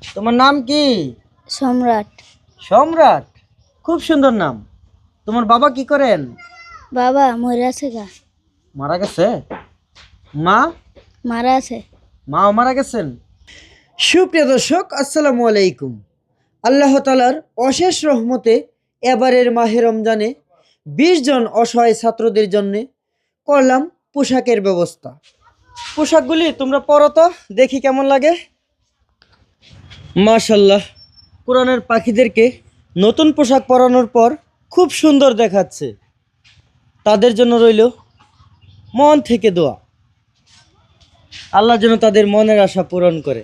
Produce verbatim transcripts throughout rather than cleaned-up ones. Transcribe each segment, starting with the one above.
তোমার নাম কি? সম্রাট। সম্রাট, খুব সুন্দর নাম। তোমার বাবা কি করেন? বাবা মরে আছে গা। মারা গেছে? মা? মারা আছে। মাও মারা গেছেন। সুপ্রিয় দর্শক, আসসালামু আলাইকুম। আল্লাহ তাআলার অশেষ রহমতে এবারের মাহে রমজানে বিশ জন অসহায় ছাত্রদের জন্য করলাম পোশাকের ব্যবস্থা। পোশাকগুলি তোমরা পরো তো, দেখি কেমন লাগে। মাশাল্লাহ, কোরআনের পাখিদেরকে নতুন পোশাক পরানোর পর খুব সুন্দর দেখাচ্ছে। তাদের জন্য রইল মন থেকে দোয়া, আল্লাহ যেন তাদের মনের আশা পূরণ করে।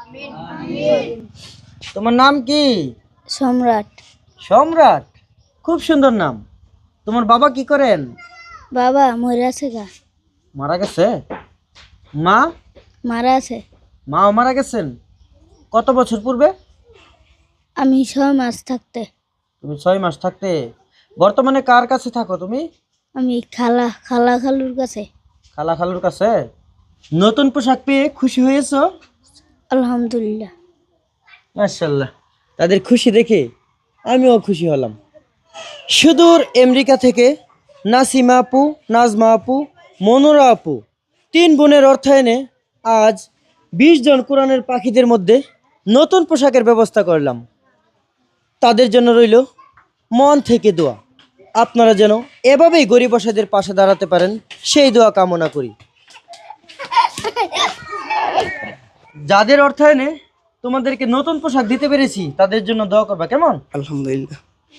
তোমার নাম কি? সম্রাট। সম্রাট, খুব সুন্দর নাম। তোমার বাবা কি করেন? বাবা মরে আছে গা। মারা গেছে? মা? মারা আছে। মাও মারা গেছেন। কত বছর পূর্বে? আমি ছয় মাস থাকতে। তুমি ছয় মাস থাকতে। বর্তমানে কার কাছে থাকো তুমি? আমি খালা খালা খালুর কাছে। খালা খালুর কাছে। নতুন পোশাক পেয়ে খুশি হয়েছো? আলহামদুলিল্লাহ। মাশাল্লাহ, তাদের খুশি দেখে আমিও খুশি হলাম। সুদূর আমেরিকা থেকে নাসিমা আপু, নাজমা আপু, মনোরা আপু তিন বোনের অর্থায়নে আজ বিশ জন কোরআনের পাখিদের মধ্যে নতুন পোশাকের ব্যবস্থা করলাম। তাদের জন্য রইল মন থেকে দোয়া। আপনারা যেন এভাবেই গরিব অসহায়দের পাশে দাঁড়াতে পারেন, সেই দোয়া কামনা করি। যাদের অর্থায়নে তোমাদেরকে নতুন পোশাক দিতে পেরেছি তাদের জন্য দোয়া করবা, কেমন? আলহামদুলিল্লাহ।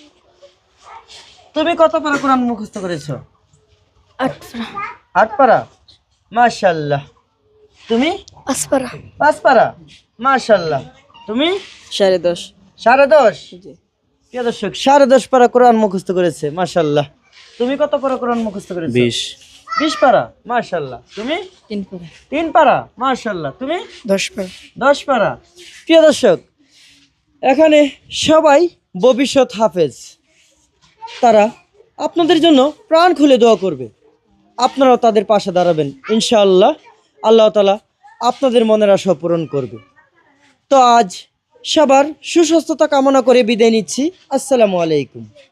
তুমি কত পারা কোরআন মুখস্থ করেছো? আট পারা। আট পারা, মাশাল্লাহ। তুমি? পাঁচ পারা। পাঁচ পারা, মাশাল্লাহ। তুমি? সাড়ে দশ। সাড়ে দশ। প্রিয় দর্শক, সাড়ে দশ পারা কোরআন মুখস্থ করেছে, মাশাল্লাহ। তুমি কত পারা কোরআন মুখস্থ করেছো? বিশ। বিশ পারা, মাশাল্লাহ। তুমি? তিন পারা। তিন পারা, মাশাল্লাহ। তুমি? দশ পারা। দশ পারা। প্রিয় দর্শক, এখানে সবাই ভবিষ্যৎ হাফেজ। তারা আপনাদের জন্য প্রাণ খুলে দোয়া করবে, আপনারাও তাদের পাশে দাঁড়াবেন ইনশাআল্লাহ। আল্লাহ তাআলা আপনাদের মনের আশা পূরণ করবে। তো আজ সবার সুস্বাস্থ্যতা কামনা করে বিদায় নিচ্ছি। আসসালামু আলাইকুম।